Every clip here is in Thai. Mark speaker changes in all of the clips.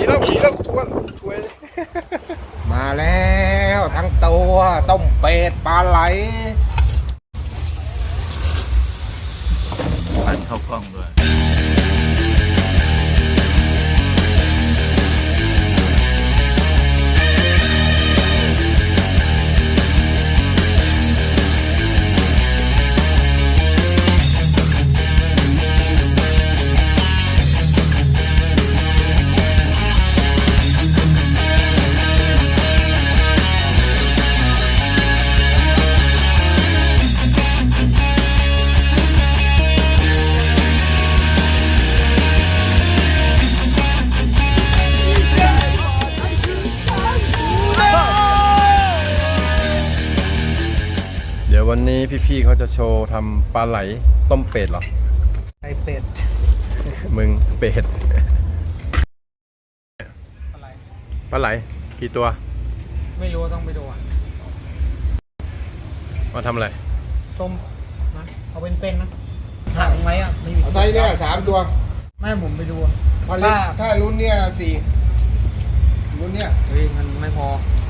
Speaker 1: แล้วอ้วนช่วยมาแล้วทั้งตัวต้มเป็ดปลาไหล
Speaker 2: หันเข้ากล้องด้วย
Speaker 3: วันนี้พี่ๆเขาจะโชว์ทำปลาไหลต้มเป็ดเหรอ
Speaker 1: ไอเป็ด
Speaker 3: มึงเป็ด
Speaker 1: อะไร
Speaker 3: ปลาไหลกี่ตัว
Speaker 1: ไม่รู้ต้องไปดู
Speaker 3: มาทำอะไร
Speaker 1: ต้มนะเอาเป็นนะถังไว้อ่ะเอาไซส์เนี่ย3 ตัวไม่ผมไปดูถ้ารุ่นเนี่ย4รุ่นเนี่ยเฮ้ยมันไม่พอ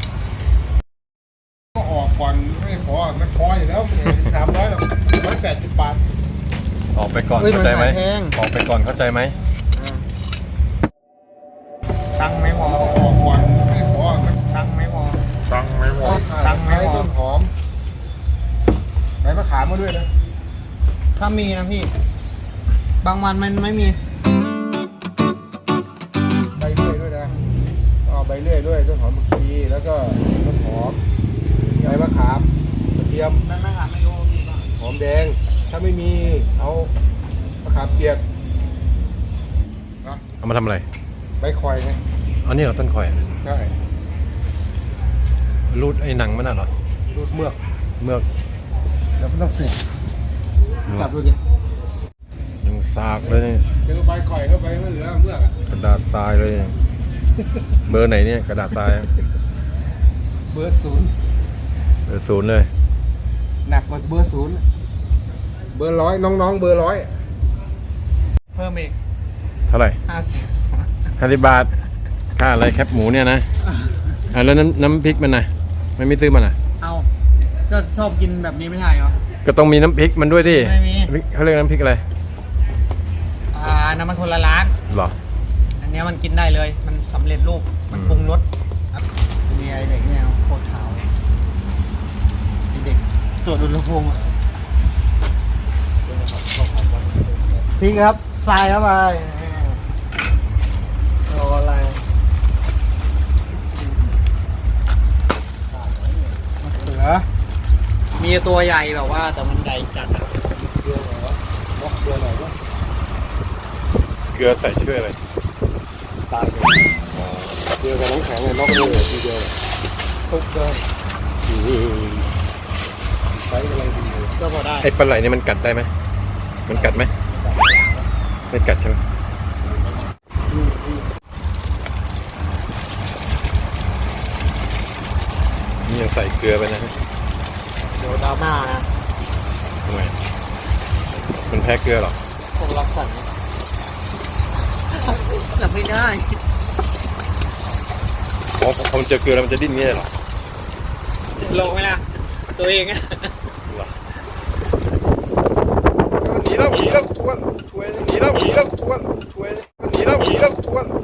Speaker 1: ก็ออกก่อนไม่พอมันพออยู่แล้ว300หรอก180 บาท
Speaker 3: ออกไปก่อนเข้าใจไหมออกไปก่อนเข้าใจไหม
Speaker 1: ตังไม่พอออกก่อนไม่พอตังไม่พอตังไม่พอต้นหอมใบมะขามมาด้วยนะถ้ามีนะพี่บางวันมันไม่มีใบเลื่อยด้วยนะใบเลื่อยด้วยต้นหอมบางทีแล้วก็ต้นหอมใบมะขามกระเทียมใบมะขามไม่รู้หอมแดงถ้าไม่มีเอามะขามเปียกนะ
Speaker 3: เอามาทำอะไร
Speaker 1: ใบข่อยไง
Speaker 3: อันนี้เหรอต้นข่อย
Speaker 1: ใช่
Speaker 3: รูดไอ้หนังมันน่ะเหรอ
Speaker 1: รูดเมือกแล้วมันต้องเสร็จจับดูดิ
Speaker 3: ยังซากเลย
Speaker 1: เจอใบข่อยเข้าไปไม่เหลือเมือก
Speaker 3: กระดาษทรายเลยเบอร์ไหนเนี่ยกระดาษทราย
Speaker 1: เบอร์0
Speaker 3: เลย
Speaker 1: หนักกว่าเบอร์0เบอร์100น้องเบอร์100เพิ่มอีก
Speaker 3: เท่าไหร่50 บาทค่าอะไรแคปหมูเนี่ยนะแล้วน้ำพริกมันนะไม่ซื้อมันอ่ะ
Speaker 1: เอาก็ชอบกินแบบนี้ไม่ใช่เหรอ
Speaker 3: ก็ต้องมีน้ำพริกมันด้วยดิ
Speaker 1: ไม่มี
Speaker 3: เขาเรียกน้ำพริกอะไร
Speaker 1: น้ำมันคนละร้าน
Speaker 3: หรอ
Speaker 1: อันนี้มันกินได้เลยมันสำเร็จรูปมันปรุงรสมีไอเด็กเนี่ยโคตรขาวไอเด็กตรวจอุณหภูมิพี่ครับทรายเข้าไปรออะไรเหลือมีตัวใหญ่แบบว่าแต่มันใหญ่จัดเกลือเหรอเกลือหน่อยด้วย
Speaker 3: เกลือใส่ช่วยอะไร
Speaker 1: ตายเลยเกลือกับน้ำแข็งเลยนอกเลยทีเดียวทุกเลยใช้อะไรดีก็พอได้
Speaker 3: ไอ้ปลาไหลนี่มันกัดได้ไหมมันกัดไหมไม่กัดใช่ไหมนี่ยังใส่เกลือไปนะ
Speaker 1: เดี๋ยวดราม่านะ
Speaker 3: ทำไมมันแพ้เกลือหรอ
Speaker 1: ผมรักสัตว์จับไม่ได้
Speaker 3: พอมันเจอเกลือแล้วมันจะดิ้นงี้หรอ
Speaker 1: ลงไหมล่ะตัวเองอะหนีแล้วอ้วนช่วยหนีแล้วอ้วนช่วยหนีแล้วอ้วน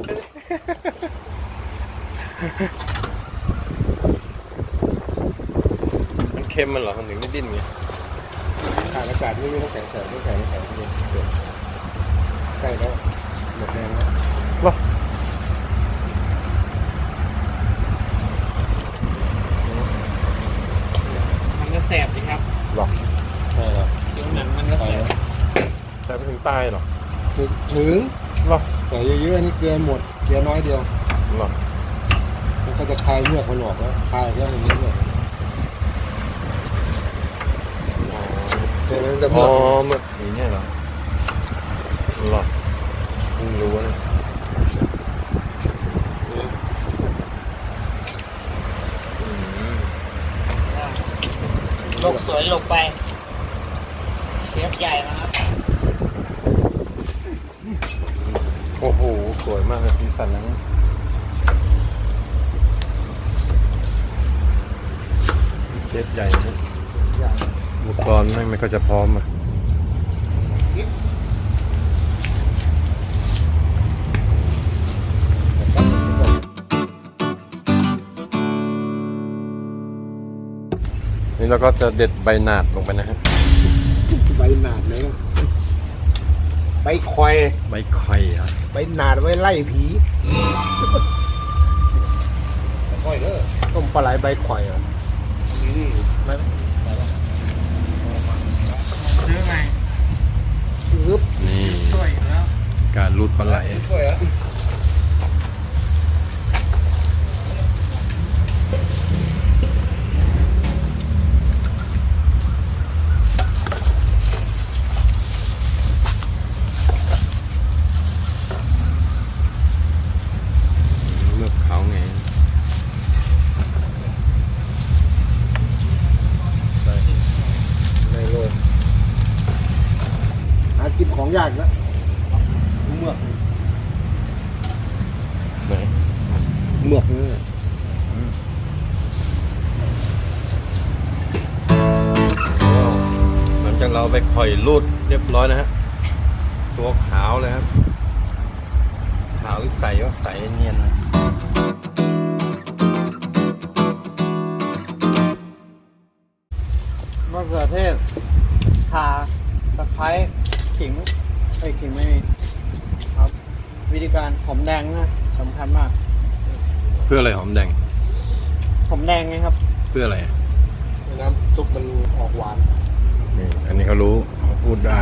Speaker 3: มันเค็มมันเหรอมันถึงไม่ดิ้นไง
Speaker 1: ขาดอากาศไม่มีน้ำแข็งใกล้แล้วหมดแรงแล้วมันก็แสบสิครับ
Speaker 3: หรอใช่แล้ว
Speaker 1: เดี๋ยวหนังมันก็แสบ
Speaker 3: แต่ไปถึงตายหรอ
Speaker 1: ถึง
Speaker 3: หรอ
Speaker 1: แต่เยอะๆนี่เกลือหมดเกลือน้อยเดียว
Speaker 3: หรอ
Speaker 1: มันก็จะคลายเมือกมันออกแล้วคลายแล้วมันเมือก
Speaker 3: อ๋อเมือกอย่างนี้เหรอหรอเพิ่งรู้นะ
Speaker 1: ลกสวยลกไปเชฟใหญ่นะครับ
Speaker 3: โอ้โหสวยมากเลยสีสันนั้นเชฟใหญ่นะ
Speaker 1: อย่าง
Speaker 3: อุปกรณ์แม่งไม่ก็จะพร้อมอ่ะนี่เราก็จะเด็ดใบหนาดลงไปนะฮะ
Speaker 1: ใบหนาดเลยนะใบคอย
Speaker 3: ใบข่อยครับ
Speaker 1: ใบหนาดไว้ไล่ผีคอยเด้อต้มปลาไหลใบคอยอ่ะนี่ไม่
Speaker 2: ซื้อไง
Speaker 1: อึ๊บ
Speaker 3: นี่
Speaker 2: ช่วยอยู่แล้ว
Speaker 3: การรูดปลาไหล
Speaker 1: ช่วยอ่ะ
Speaker 3: เลือกเขาไง
Speaker 1: ในโลกหากินของยากนะเมือก
Speaker 3: ไหน
Speaker 1: เมือกนี่
Speaker 3: หลังจากเราไปข่อยรูดเรียบร้อยนะฮะ ตัวขาวเลยครับ ขาวหรือใสวะใสเนียนนะ
Speaker 2: มะเขือเทศข่าตะไคร้ขิงขิงไม่มีครับ วิธีการหอมแดงนะสำคัญมาก
Speaker 3: เพื่ออะไรหอมแดง
Speaker 2: หอมแดงไงครับ
Speaker 3: เพื่ออะไร
Speaker 1: น้ำซุปมันออกหวาน
Speaker 3: นี่ อันนี้เขารู้เขาพูดได้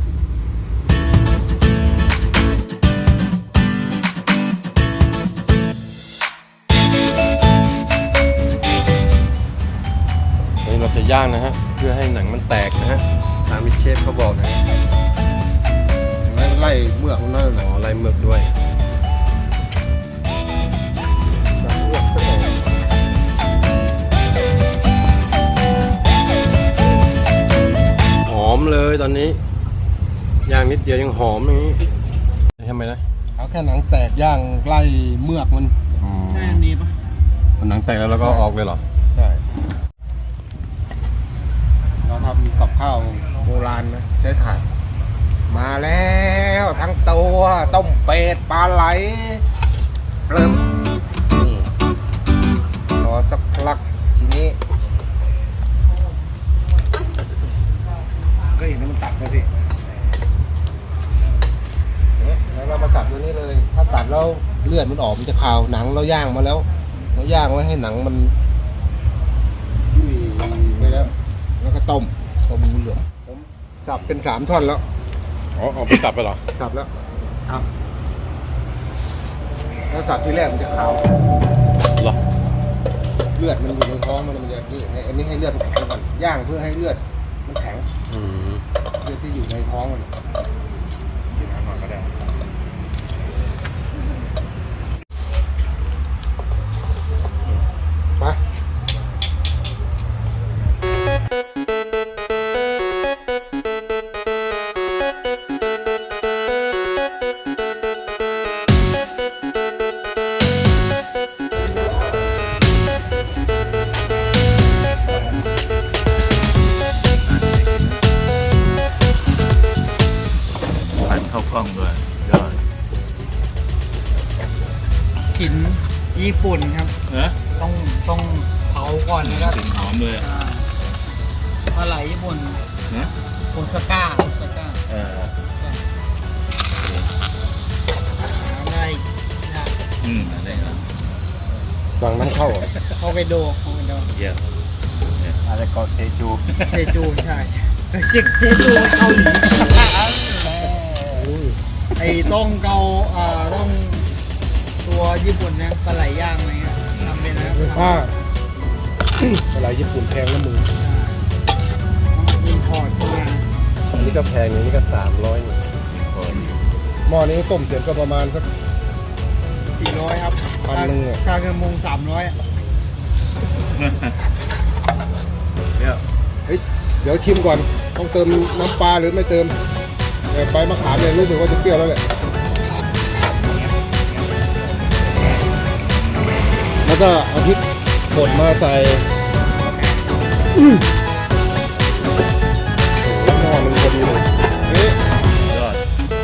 Speaker 3: อันนี้เราจะย่างนะฮะ เพื่อให้หนังมันแตกนะฮะตามที่เชฟเขาบอกนะฮะ
Speaker 1: ไล่เมือกมันนั่น
Speaker 3: อ๋
Speaker 1: แหละ
Speaker 3: อไล่เมือกด้วย
Speaker 1: เมือกก็ออก
Speaker 3: หอมเลยตอนนี้ ย่างนิดเดียวยังหอมอย่างนี้ทำไมนะ
Speaker 1: เอาแค่หนังแตกย่างไล่เมือกมัน
Speaker 2: ใช่อันนี้ปะ
Speaker 3: มันหนังแตกแล้วเราก็ออกเลยเหรอ
Speaker 1: ใช่เราทำกับข้าวโบราณนะใช้ถ่านมาแล้วทั้งตัวต้มเป็ดปลาไหลเริ่มนี่รอสักพักทีนี้ก็เห็นมันตัดนะพี่เนี่ยแล้วเรามาสับตัวนี้เลย ถ้าตัดแล้วเลือดมันออกมันจะคาวหนังเราย่างมาแล้วเราย่างไว้ให้หนังมันยุ่ยไปแล้ว แล้วก็ต้มงูเหลือมผมสับเป็น3 ท่อนแล้ว
Speaker 3: อ๋อเอาไปสับไปเหรอ
Speaker 1: สับแล้วครับแล้วสับที่แรกมันจะขาว
Speaker 3: เหรอ
Speaker 1: เลือดมันอยู่ในท้องมันจะนี่อันนี้ให้เลือดมันแข็งก่อนย่างเพื่อให้เลือดมันแข็ง
Speaker 3: อืม
Speaker 1: เลือดที่อยู่ในท้องมันกินน้ำก่อนก็ได้ไป
Speaker 4: ผัดเข้ากล้องด้วยยอด
Speaker 2: กลิ่นญี่ปุ่นครับ
Speaker 4: เอ๊ะ
Speaker 2: ต้องเผาก่อนแล้วก็
Speaker 4: กลิ่นหอมเลย
Speaker 2: อ่าปลาไหลญี่ปุ่น
Speaker 4: นะ
Speaker 2: โอซาก้า
Speaker 4: 呃
Speaker 2: ได้ได้
Speaker 4: อะไรครับ
Speaker 1: สั่งน้ำเข้าอ่ะ
Speaker 2: ฮอกไกโด
Speaker 4: เยี่ยม
Speaker 3: อะไรก็เทจู
Speaker 2: เซจูใช่จิกเซจูเกาหลี ไอ้ต้องเกาต้องตัวญี่ปุ่นนะปลาไหลย่างอะไรเงี้ยทำเป็นนะ
Speaker 1: ถ้าอะไรญี่ปุ่นแพงแล้วมึง
Speaker 2: อินพอร์ตเข้ามา
Speaker 3: อันนี้ก็แพงนี่ก็300นี่
Speaker 1: หม้อนี้ต้มเสร็จก็ประมาณสัก
Speaker 2: 400ครับ
Speaker 1: 1,000อะ
Speaker 2: ค่ากระมง300
Speaker 4: เนี่ย
Speaker 1: เฮ้ยเดี๋ยวชิมก่อนต้องเติมน้ำปลาหรือไม่เติมแต่ใบมะขามเนี่ยรู้สึกว่าจะเปรี้ยวแล้วแหละแล้วก็เอาพริกป่นมาใส่หม้อมันพอดีเลยเอ๊ะ
Speaker 4: ยอด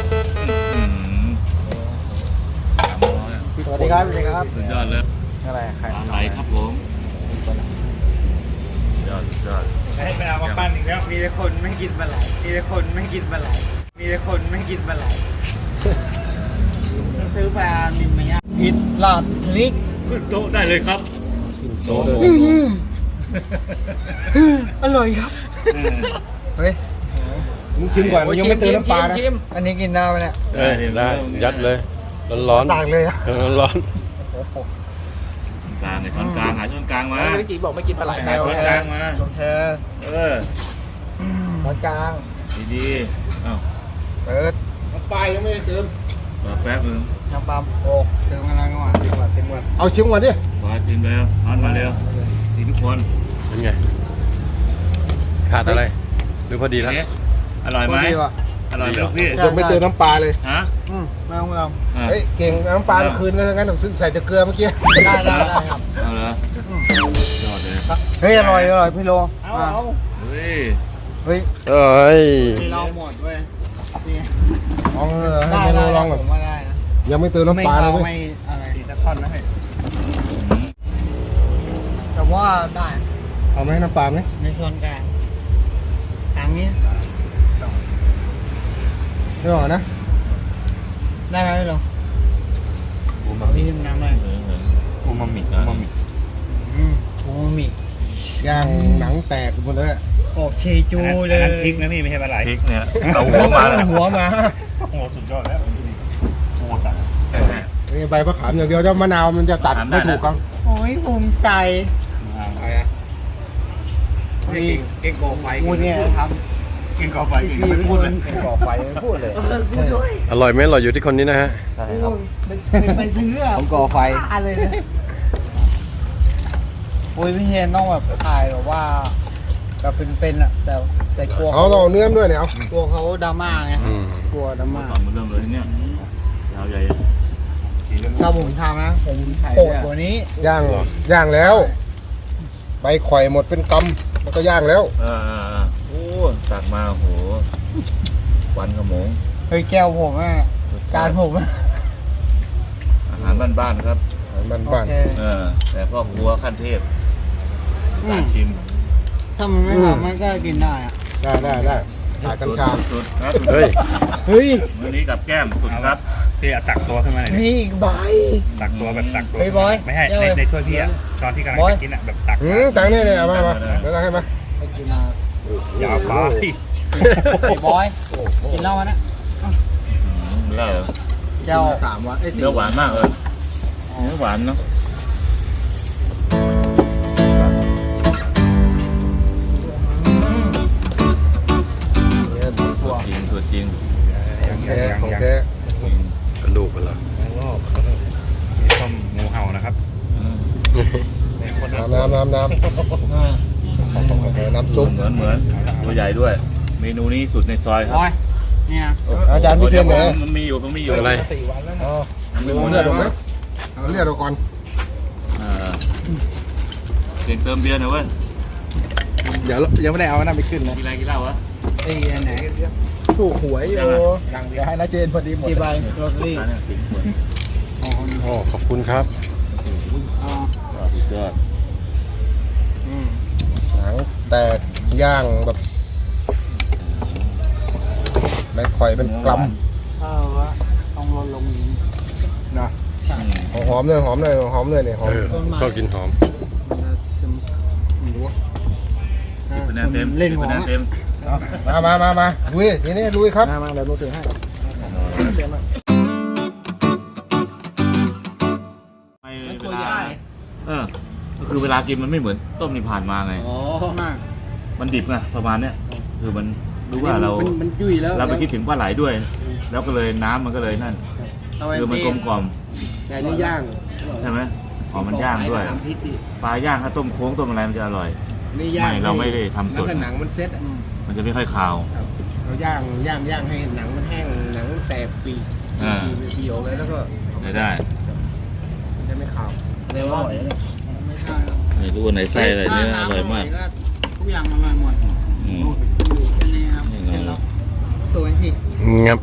Speaker 4: 300
Speaker 2: สวัสดีครับสวัสดีครับ
Speaker 4: สุดยอดเลย
Speaker 2: อะไรใคร
Speaker 4: ปลาไหลครับผมยอดสุดยอด
Speaker 5: ให้ไปเอามาปั้นอีกแล้ว มีแต่คนไม่กินปลาไหล มีแต่คนไม่กินปลาไหล มีแต่คนไม่กินปลาไหล
Speaker 2: ซื้อปลานิมมาย่างผิดหลอดลิก
Speaker 4: ขึ้นโต๊ะได้เลยครับ
Speaker 1: โตเลย
Speaker 2: อร่อยครับ
Speaker 1: เฮ้ยมึงชิมก่อนมันยังไม่เติมน้ำปลานะ
Speaker 2: ชิมอันนี้กินได้ไหมเนี่ย
Speaker 3: ได้ยัดเลยร้อน
Speaker 2: ต่างเลยนะ
Speaker 3: ๆร้อน
Speaker 2: โอ้โห
Speaker 4: กลางในช้อนกลางหาช้อนกลางมา
Speaker 2: เมื่อกี้บอกไม่กินปลาไหล
Speaker 4: หาช้อนกลางมา
Speaker 2: โอเค
Speaker 4: เออ
Speaker 2: ตอนกลาง
Speaker 4: ดีๆอ้าว
Speaker 2: เปิด
Speaker 1: น้ำปลายังไม่ได้เติม
Speaker 4: รอแป๊บนึง
Speaker 2: น้ำปลาโอ้เติมกันแล้วก่อน
Speaker 1: เต็มวันเอาชิมก่อนดิ
Speaker 4: พอกินไปแล้วนอนมาเร็วดีทุกคน
Speaker 3: ๆเป็นไงขาดอะไร หรือพอดีแล้ว
Speaker 4: เอ๊ะอร่อยไหม
Speaker 2: ดีว่ะ
Speaker 4: อร่อยไหมลูกพี่
Speaker 1: ยังไม่เติมน้ำปลาเลย
Speaker 4: ฮะ
Speaker 2: ไม่ต้อง
Speaker 4: อ่ะ
Speaker 1: เฮ้ยเก่งน้ำปลาเมื่อคืนก็งั้นใส่แต่เกลือเมื่อกี้
Speaker 2: ได้ครับ
Speaker 4: เอาเหรอยอดเลย
Speaker 2: เฮ้ยอร่อยพี่โล
Speaker 5: เอา
Speaker 4: เฮ้ย
Speaker 1: เฮ้ย
Speaker 3: เอ้ย
Speaker 2: พี่เราหมดเว้ยนี่
Speaker 1: ลองให้เมนูลองก่อน
Speaker 2: ผมว่าได้นะ
Speaker 1: ยังไม่เติมน้ำปลาเลยเว้ย
Speaker 2: ไม่อะไร
Speaker 5: ตีสักท่อนนะเฮ้ย
Speaker 2: แต่ว่าได้
Speaker 1: เอาไหมน้ำปลาไหม
Speaker 2: ในส่วนกลางกลางนี้
Speaker 1: ไม่ออกนะ
Speaker 2: ได้ไหมพี่โลพี่ชิมน้ำหน่อย
Speaker 4: อูมามินะ
Speaker 2: โอ้มิ
Speaker 1: ย่างหนังแตกหมดเลย
Speaker 2: โอ้เชจูเลย
Speaker 5: อันนั้นพริกนะพี่ไม่ใช่ปลาไหล
Speaker 4: พริกเนี่ยเอาหัวมาเลย
Speaker 1: หัวมา
Speaker 5: โอ้โหสุดยอดแล้วโคตรอ่ะ
Speaker 1: นี่ใบมะขามอย่างเดียวถ้ามะนาวมันจะตัดไม่ถูกกัน
Speaker 2: โอ้ยภูมิใจ
Speaker 1: อะไรอ่ะเก่งก่อไฟ
Speaker 2: กูเนี่ยท
Speaker 5: กินกาแฟกิน
Speaker 2: ำ
Speaker 5: ไม่พูดเลย
Speaker 1: เก่งก่อไฟไม่พูดเลย
Speaker 2: พูดด้วย
Speaker 3: อร่อยไหมอร่อยอยู่ที่คนนี้นะฮะ
Speaker 1: ใช่ครับ
Speaker 2: ไปซื้ออะ
Speaker 1: ผมก่อไฟ
Speaker 2: บ้าเลยนะโอ้ยพี่เฮนต้องแบบถ่ายแบบว่าแบบเป็นๆอะแต่กลัว
Speaker 1: เอาต้องเอาเนื้อมาด้วยเนี่ยเอา
Speaker 2: กลัวเขาดราม่าไง
Speaker 3: อืม
Speaker 2: กลัวดราม่า
Speaker 4: ก่อนมาเริ่มเลยเนี่ยยาวใหญ่
Speaker 2: ถ้าผมทำนะผมโหดกว่านี้
Speaker 1: ย่างแล้ว ใบข่อยหมดเป็นกำแล้วก็ย่างแล้ว
Speaker 4: โอ้ตักมาโหควันขโมง
Speaker 2: เฮ้ยแก้วผมอะจานผมอะ
Speaker 4: อาหารบ้านๆครับ
Speaker 1: มัน
Speaker 2: โอ
Speaker 1: บ้าน
Speaker 2: เค
Speaker 4: แต่พ่อครัวขั้นเทพการชิม
Speaker 2: ถ้ามันไม่ทำมันก็กินได้อะ
Speaker 1: ได้ขายกัญชา
Speaker 4: สุดครับ
Speaker 3: เฮ้ย
Speaker 1: เฮ้ย
Speaker 4: มื้อนี้กับแก้มสุดครับ
Speaker 5: พี่เอาตักตัวขึ้นมาหน่อยดิ
Speaker 2: มีอีกใบ
Speaker 5: ตักตัวแบบตักตัว
Speaker 2: เฮ้ยบอย
Speaker 5: ไม่ให้
Speaker 2: เดี๋ยวเลย
Speaker 5: ในถ้วยพี่อ่ะตอนที่กำลัง
Speaker 2: บอย
Speaker 5: จะกินอ่ะแบบตัก
Speaker 1: ตังเนี่ยเอามาแล้วตังให้มา
Speaker 2: ไปกินมา
Speaker 5: อย่าไป
Speaker 2: ไอ้บอย กินเหล้ามานะ
Speaker 4: เล่า
Speaker 2: เจ้า
Speaker 1: 3 วัน
Speaker 4: เนื้อหวานมากเลยเนื้อหวานเนาะ ตัวจริง
Speaker 1: ของแท้
Speaker 3: กระดูกมันเหรอ
Speaker 5: มีต้มงูเห่านะครับ
Speaker 1: น้ำซุป
Speaker 4: เหมือนตัวใหญ่ด้วย เมนูนี้สุดในซอยครับ
Speaker 2: บอย เนี่ย
Speaker 1: อาจารย์พี่เทียนไหน
Speaker 4: มันมีอยู่
Speaker 3: อะไร
Speaker 1: อ๋อเอาเลือดออกไหมเอาเลือดออกก่อน
Speaker 4: เก่งเติมเบียร์หน่อยเว้ย
Speaker 2: เดี๋ยวยังไม่ได้เอาน้ำไปขึ้นเลย
Speaker 4: กินอะไรกินเหล้าวะ
Speaker 2: ไอ้อันไหนถูกหวยอยู่อย่างเดียวให้นาเจนพอดีหมดกี่ใบโรตารี่
Speaker 4: ร้านเนี่ยถึงเหมือน
Speaker 2: อ๋อ
Speaker 3: โอ้ขอบคุณครับ
Speaker 2: อ๋อ
Speaker 4: สุดยอด
Speaker 1: หนังแตกย่างแบบใบข่อยเป็นกลัม
Speaker 2: เออวะต้องลดลงนี้
Speaker 1: นะ
Speaker 2: ใช่
Speaker 1: หอมเลยเนี่ยหอม
Speaker 3: เออชอบกินหอม
Speaker 2: มันจะซึมไม่รู้อะ
Speaker 4: เป็นแนวเต็ม
Speaker 2: เล่นหัว
Speaker 4: เป็นแนวเต็ม
Speaker 1: มาลุยทีนี้ลุยครับ
Speaker 2: มาเดี๋ยวรู้ถึงให้
Speaker 4: ไม่เวลาก็คือเวลากินมันไม่เหมือนต้มนี่ผ่านมาไง
Speaker 2: อ๋อมาก
Speaker 4: มันดิบไงประมาณเนี้ยคือมันรู้ว่าเรา
Speaker 2: มันยุ่ยแล้ว
Speaker 4: เราไปคิดถึงปลาไหลด้วย แล้วก็เลยน้ำมันก็เลยนั่นคือมันกลมกล่อม
Speaker 1: แต่นี่ย่าง
Speaker 4: ใช่ไหมหอมมันย่างด้วย ปลาย่างถ้าต้มโค้งต้มอะไรมันจะอร่อย
Speaker 1: นี่ย่าง
Speaker 4: ไม่เราไม่ได้ทำสด
Speaker 1: แล้วก็หนังมันเซ็ต
Speaker 4: มันจะไม่ค่อยคาว
Speaker 1: เราย่างให้หนังมันแห้งหนังแตกปีเหี่ยวเลยแล้วก็
Speaker 4: ได้
Speaker 1: มันจะไม่ขาว
Speaker 2: เร็วว่าไม่ใช่
Speaker 4: ไม่รู้ว่าไหนไส้อะไรเนื้ออร่อยมาก
Speaker 2: พทุกอย่างอร่อยหมด
Speaker 4: อืม
Speaker 2: นี่ครับเสร็จแล้วสวยพี่
Speaker 3: งับ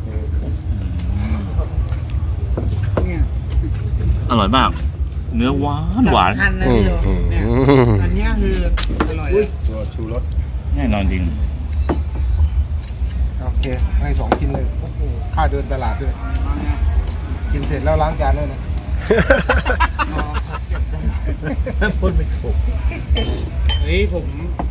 Speaker 2: เนี่ย
Speaker 4: อร่อยมาก เนื้อหวานหวาน
Speaker 2: สำคัญนะพี่โยเนี่ยอันเนี้ยคืออร่อยเลย
Speaker 1: ตัวชูรส
Speaker 4: แน่นอนจริง
Speaker 1: โอเคให้2ชิ้นเลยโอ้โหค่าเดินตลาดด้วย
Speaker 2: เอาเนี่ย
Speaker 1: กินเสร็จแล้วล้างจานด้วยนะ
Speaker 2: เอาเก็บได้
Speaker 1: พูดไม่ถูก
Speaker 2: เฮ้ยผม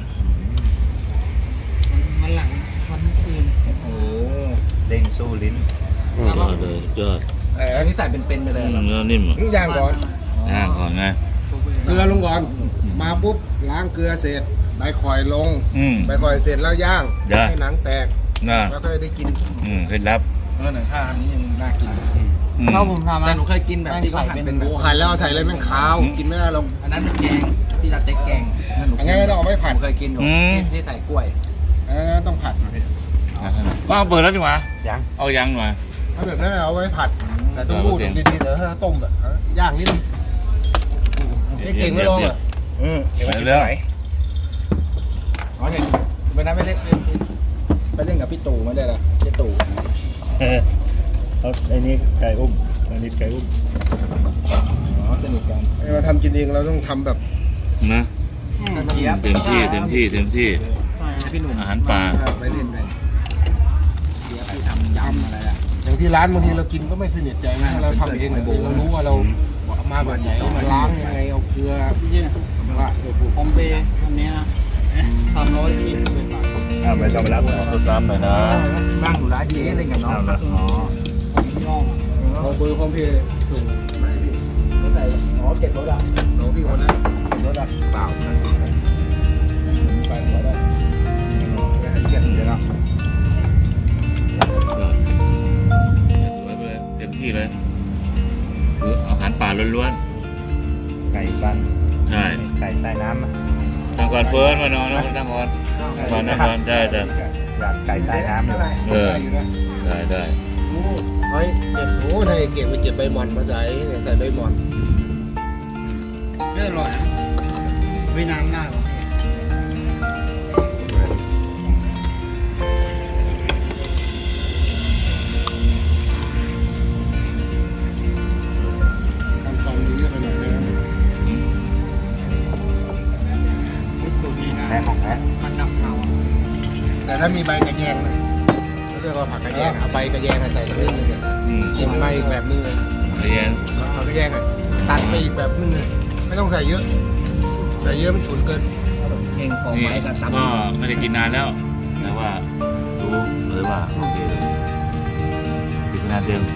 Speaker 2: มันหลังวันคืน
Speaker 5: โอ้เด้งสู้ลิ้น
Speaker 3: อืม
Speaker 4: ยอดเลยยอด
Speaker 5: อันนี้ใส่เป็นๆไปเลยเหรอ
Speaker 4: เนื้อนิ่มอ่ะ
Speaker 1: นี่ย่างก่อน
Speaker 4: ย่างก่อนไง
Speaker 1: เกลือลงก่อน มาปุ๊บล้างเกลือเสร็จใบข่อยลง
Speaker 4: อืม
Speaker 1: ใบข่อยเสร็จแล้วย่าง
Speaker 4: ย่าง
Speaker 1: ให้หนังแตก
Speaker 4: น่า
Speaker 1: แล้วก็ได้กิน
Speaker 4: เคล็ดลับ
Speaker 5: หนังข้าวอันนี้ยังน่ากิน
Speaker 4: อืม
Speaker 2: ถ้าผมทำ
Speaker 5: แต่หนูเคยกินแบบที่เขาหั่นเป็นแบบ
Speaker 1: โอ้หั่นแล้วเอาใส่เลยแม่งขาวกินไม่ได้หรอก
Speaker 5: อันนั้นเป็นแกงที่เราเต็กแกง
Speaker 1: อันนี้ก็ต้องเอาไว้ผัด
Speaker 5: ผมเคยกินอยู่
Speaker 4: อืม
Speaker 5: ที่ใส่กล้วย
Speaker 1: อันนั้นต้องผัด
Speaker 4: ว่าเอาเปิดแล้วดีกว่า
Speaker 5: ยัง
Speaker 4: เอายังหน่อย
Speaker 1: ถ้าแบบนั้นเอาไว้ผัด แต่ต้องรูดดีๆเดี๋ยวถ้าต้มแบบย่างนิดนึงนี่เก่งไม่ลงอ่ะ
Speaker 5: เดี๋ยว
Speaker 4: ไป
Speaker 5: มันจะ
Speaker 4: แล้ว
Speaker 5: ไหนอ๋อเห็นวันนั้นไปเล่นกับพี่ตู่มาได้ละพี่ตู่
Speaker 6: ไอ้นี่ไก่อุ้มอันนี้ไก่อุ้ม
Speaker 5: อ๋อสนิทกัน
Speaker 1: เราทำกินเองเราต้องทำแบบ
Speaker 4: นะ
Speaker 1: ให้มัน
Speaker 4: เต็มที่เต็มที่เต็มที่
Speaker 2: ใช่ครับ
Speaker 5: พี่หนุ่ม
Speaker 4: อาหารป่า
Speaker 5: ไปเล่นกันเดี๋ยวพี่ทำยำอะไรอะ
Speaker 1: อย่างที่ร้านบางทีเรากินก็ไม่สนิทใจนะเราทำเองเรารู้ว่าเรามาแบบไหนมาล้างยังไงเอาเกลือ
Speaker 2: พี่เจ๊
Speaker 1: ว่า
Speaker 2: ผมเปย์อันนี้นะ340 บาท
Speaker 6: ไม่ต้องไปรับ
Speaker 4: ขอสตาร์ทหน่อยนะ
Speaker 5: บ้างอยู่ร้านเจ๊เล่นกับน้อง
Speaker 4: อ๋อ
Speaker 2: ผมย่องอะ
Speaker 1: เอาเบอร์พร้อมเพย์ส่งมาให้พี่
Speaker 5: รถไหนอ๋อเก็บรถอ่ะ
Speaker 1: น้องพี่คนนั้น
Speaker 5: เก็บรถอ่ะ
Speaker 1: เปล่าไปหัวได้ไม่ให้เกียรติเดี๋ยวนะ
Speaker 4: สวยไปเลยเต็มที่เลยคืออาหารป่าล้วน
Speaker 6: ไก่บ้าน
Speaker 4: ๆใช่
Speaker 6: ไก่ใต้น้ำอะ
Speaker 4: ทางก่อนเฟิร์นมานอนนะทางก่อนก่อนนั่งก่อนได้ได้
Speaker 6: อยากไก่ใต้น้ำอยู่
Speaker 4: เออ
Speaker 1: ได้อยู่นะ
Speaker 4: ได้ได้
Speaker 1: เฮ้ยเก็บโอ้ถ้าเก่งไปเก็บใบหมอนมาใส่ใส่ใบหมอน
Speaker 2: ก็อร่อยนะไว้น้ำหน้าผมพี่
Speaker 1: ทำตรงนี้ขนาดนี้นะ
Speaker 2: สูตรนี้นะ
Speaker 6: แม่ของแม่
Speaker 2: มันดับเผา
Speaker 1: แต่ถ้ามีใบกระแยงนะเขาเรียกว่าผักกระแยงเอาใบกระแยงใส่ตรงนี้เลยเนี่ย กินมาอีกแบบนึงเลย
Speaker 4: เรียน
Speaker 1: ผักกระแยงอ่ะตัดไปอีกแบบนึงเลยไม่ต้องใส่เยอะใส่เยอะมันฉุนเกิน
Speaker 5: เก่งกอง
Speaker 4: นี่
Speaker 5: ไม้กับตำ
Speaker 4: ก็ไม่ได้กินนานแล้ว แต่ว่ารู้เลยว่าโอเคเลยกินนานเต็ม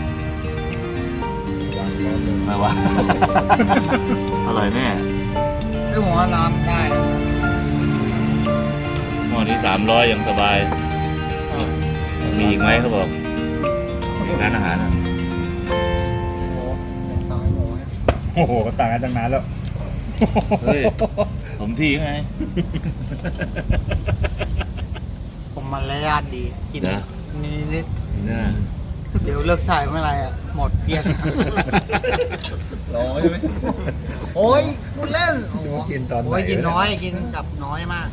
Speaker 4: ไม่ว่า อร่อยแน่
Speaker 2: ซึ่งผมว่าน้ำได้นะ
Speaker 4: หม้อนี้300ยังสบาย มีอีกไหมเขาบอกร้านอาหารอ่ะ
Speaker 2: โอ้โหเป็นตายหมูเนี่ย
Speaker 6: โอ้โหต่างกันตั้งนานแล้ว
Speaker 4: เฮ้ยผมที่ไง
Speaker 2: ผมมารยาทดี กิน
Speaker 4: นะ
Speaker 2: นิด
Speaker 4: น่า
Speaker 2: ๆเดี๋ยวเลิกถ่ายเมื่อไหร่อ่ะ หมดเกลี้ยง
Speaker 1: รอใช่ไหม
Speaker 2: โอ้ยพูดเล่น
Speaker 6: จะมากินตอนไหน
Speaker 2: โอ้ยกินน้อย กินกับน้อยมาก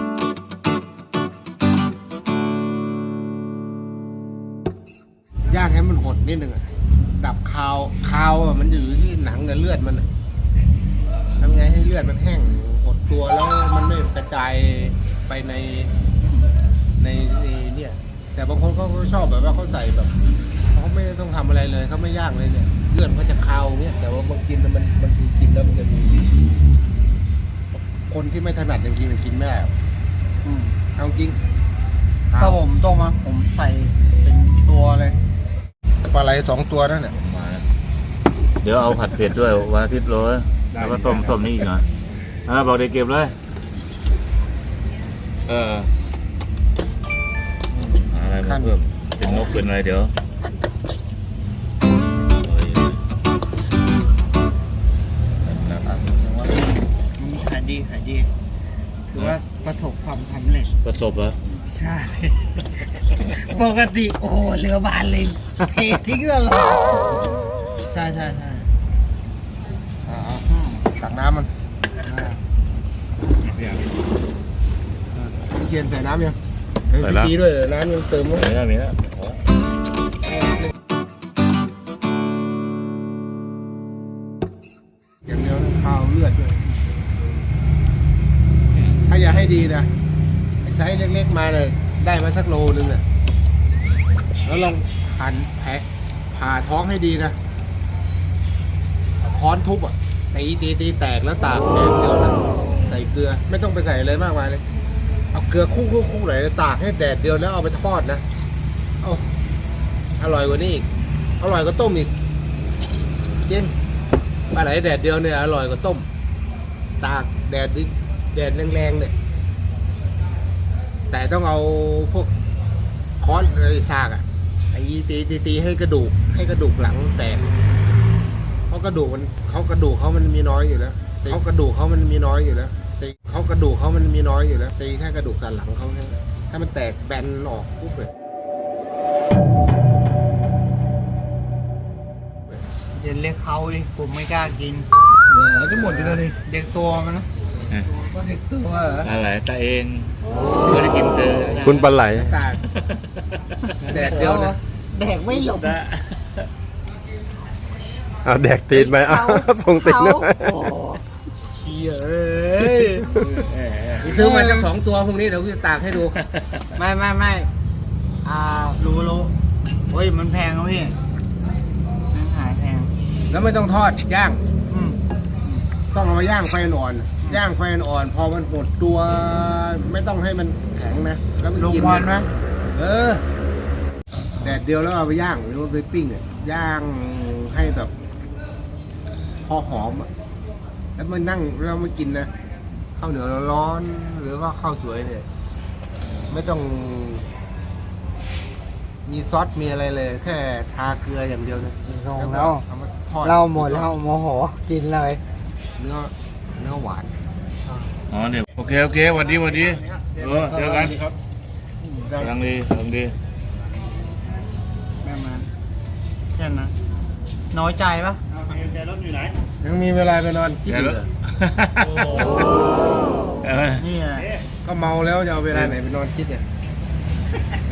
Speaker 1: ย่างให้มันหดนิดนึงอะดับคาวอะมันอยู่ที่หนังกับเลือดมันอะทำไงให้เลือดมันแห้งหดตัวแล้วมันไม่กระจายไปในเนี่ย แต่บางคนเขาก็ชอบแบบว่าเขาใส่แบบเขาไม่ได้ต้องทำอะไรเลยเขาไม่ย่างเลยเนี่ยเลือดมันก็จะคาวเนี่ยแต่ว่าบางกินมันคือกินแล้วมันจะมีคนที่ไม่ถนัดอย่างกินมันกินไม่ได้หรอก
Speaker 2: อืม
Speaker 1: เอาจริง
Speaker 2: ถ้าผมต้มมาผมใส่เป็นตัวเลย
Speaker 1: ปลาไหล2 ตัวนั่นแหละ
Speaker 4: มาแล้วเดี๋ยวเอาผัดเผ็ดด้วยวันอาทิตย์โรยแล้วก็ต้มนี่อีกหน่อยบอกเด็กเก็บเลยหาอะไรมาเพิ่มเป็นนกเป็นอะไรเดี๋ยว
Speaker 2: ขายดีขายดี ถือว่าประสบความสำเร็จ
Speaker 4: ประสบเหรอ
Speaker 2: ใช่ ปกติโอ้โหเรือบานเลยเททิ้งตลอดใช่ใช่ใช่
Speaker 1: ตักน้ำมันใส่น้ำยัง
Speaker 3: ใส่แล้ว
Speaker 1: ดีด้วยน้ำยังเติมมั้ย
Speaker 4: มีแล้วมีแล้ว
Speaker 1: อย่างเดียวนะข้าวเลือดด้วยถ้าอยากให้ดีนะไอ้ไซส์เล็กๆมาเลยได้มาสักโลนึงอ่ะแล้วลองหั่นแผลผ่าท้องให้ดีนะค้อนทุบอ่ะตีแตกแล้วตากแดดเดียวนะใส่เกลือไม่ต้องไปใส่อะไรมากมายเลยเอาเกลือคู่ไหนตากให้แดดเดียวแล้วเอาไปทอดนะเอาอร่อยกว่านี้อีกอร่อยกว่าต้มอีกจริงปลาไหลแดดเดียวเนี่ยอร่อยกว่าต้มตากแดดแรงๆเนี่ยแต่ต้องเอาพวกค้อนอะไรซากอ่ะไอ้ตีให้กระดูกหลังแตกเพราะกระดูกเขามันมีน้อยอยู่แล้วตีแค่กระดูกเขามันมีน้อยอยู่แล้วตีแค่กระดูกสันหลังเขาแค่นั้นถ้ามันแตกแบนออกปุ๊บเลย
Speaker 2: เดี๋ยวเรียกเขาดิผมไม่กล้ากิน
Speaker 1: จะหมดอยู่แล้วนี่
Speaker 2: เด็กตัวมันนะ
Speaker 1: เด็กตัว
Speaker 4: อะไรตาเองไม่ได้กินเจอ
Speaker 3: คุณปลาไหล
Speaker 1: ตากแดดเดียวนะ
Speaker 2: แดกไม่หลบ
Speaker 3: เอาแดกตีนไปเอาส่งตีนด้วย
Speaker 2: เชี่ยเอ้ย
Speaker 1: ซื้อมาสัก2 ตัวพรุ่งนี้เดี๋ยวกูจะตากให้ดู
Speaker 2: ไม่รู้เฮ้ยมันแพงครับพี่มันหายแพง
Speaker 1: แล้วไม่ต้องทอดย่าง
Speaker 2: อืม
Speaker 1: ต้องเอามาย่างไฟอ่อนย่างไฟอ่อนพอมันหมดตัวไม่ต้องให้มันแข็งนะแล้วมัน
Speaker 2: ลง
Speaker 1: กิน
Speaker 2: วันไหม
Speaker 1: แดดเดียวแล้วเอาไปย่างหรือว่าไปปิ้งอ่ะย่างให้แบบพอหอมอ่ะแล้วมันนั่งแล้วมากินนะข้าวเหนียวร้อนๆหรือว่าข้าวสวยเนี่ยไม่ต้องมีซอสมีอะไรเลย แค่ทาเกลืออย่างเดียวนะ
Speaker 2: ลง
Speaker 1: ก็
Speaker 2: แล้ว
Speaker 1: เอามาทอด
Speaker 2: เราหมดแล้วโมโหกินเลย
Speaker 1: เนื้อหวาน
Speaker 4: อ๋อเนี่ยโอเคหวัดดีเจอกัน
Speaker 1: ได้
Speaker 4: กำลังดี
Speaker 2: แม่มาแค่นั้นน้อยใจปะ
Speaker 1: ยังมีเวลาไปนอนคิด
Speaker 4: เดี๋ยว
Speaker 1: อยู่
Speaker 4: แล้ว
Speaker 1: เหรอ
Speaker 2: นี่แหละ
Speaker 1: ก็เมาแล้วจะเอาเวลาไหนไปนอนคิดเนี่ย